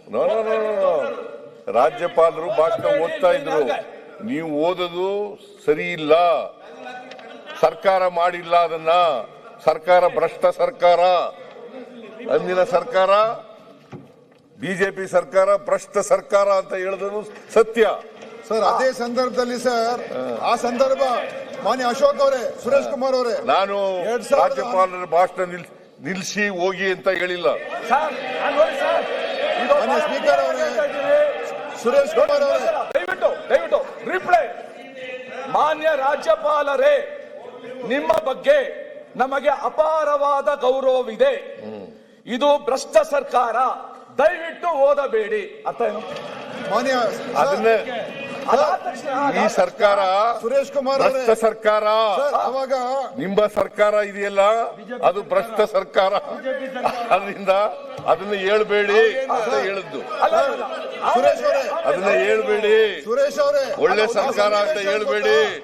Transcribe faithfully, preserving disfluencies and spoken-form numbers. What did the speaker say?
No no no no ರಾಜ್ಯಪಾಲರು ಭಾಷಣ ಓದ್ತಾ ಇದ್ರು. ನೀವು ಓದೋದು ಸರಿ ಇಲ್ಲ. ಸರ್ಕಾರ ಮಾಡಿಲ್ಲ ಅದನ್ನ. ಸರ್ಕಾರ ಭ್ರಷ್ಟ ಸರ್ಕಾರ. ಅಂದಿನ ಸರ್ಕಾರ ಬಿಜೆಪಿ ಸರ್ಕಾರ ಭ್ರಷ್ಟ ಸರ್ಕಾರ ಅಂತ ಹೇಳಿದ್ರು ಸತ್ಯ. ಸರ್ ಅದೇ ಸಂದರ್ಭದಲ್ಲಿ ಸರ್ ಆ ಸಂದರ್ಭ ಮಾನ್ಯ ಅಶೋಕ್ ಅವರೇ, ಸುರೇಶ್ ಕುಮಾರ್ ಅವರೇ, ನಾನು ರಾಜ್ಯಪಾಲರ ಭಾಷಣ ನಿಲ್ ನಿಲ್ಸಿ ಹೋಗಿ ಅಂತ ಹೇಳಿಲ್ಲ. ಮಾನ್ಯ ಸ್ಪೀಕರ್ ಅವರೇ, ಸುರೇಶ್ ಕುಮಾರ್ ಅವರೇ, ದಯವಿಟ್ಟು ದಯವಿಟ್ಟು ರಿಪ್ಲೈ. ಮಾನ್ಯ ರಾಜ್ಯಪಾಲರೇ, ನಿಮ್ಮ ಬಗ್ಗೆ ನಮಗೆ ಅಪಾರವಾದ ಗೌರವವಿದೆ. ಇದು ಭ್ರಷ್ಟ ಸರ್ಕಾರ, ದಯವಿಟ್ಟು ಓದಬೇಡಿ. ಅರ್ಥ ಏನು? ಮಾನ್ಯ ಅದನ್ನೇ ಈ ಸರ್ಕಾರ ಸುರೇಶ್ ಕುಮಾರ್ ಅವರೇ, ಭ್ರಷ್ಟ ಸರ್ಕಾರ. ಅವಾಗ ನಿಮ್ಮ ಸರ್ಕಾರ ಇದೆಯಲ್ಲ ಅದು ಭ್ರಷ್ಟ ಸರ್ಕಾರ. ಅದರಿಂದ ಅದನ್ನ ಹೇಳ್ಬೇಡಿ ಅಂತ ಹೇಳಿದ್ದು. ಸುರೇಶ್ ಅವರೇ, ಅದನ್ನ ಹೇಳ್ಬೇಡಿ. ಸುರೇಶ್ ಅವರೇ, ಒಳ್ಳೆ ಸರ್ಕಾರ ಅಂತ ಹೇಳ್ಬೇಡಿ.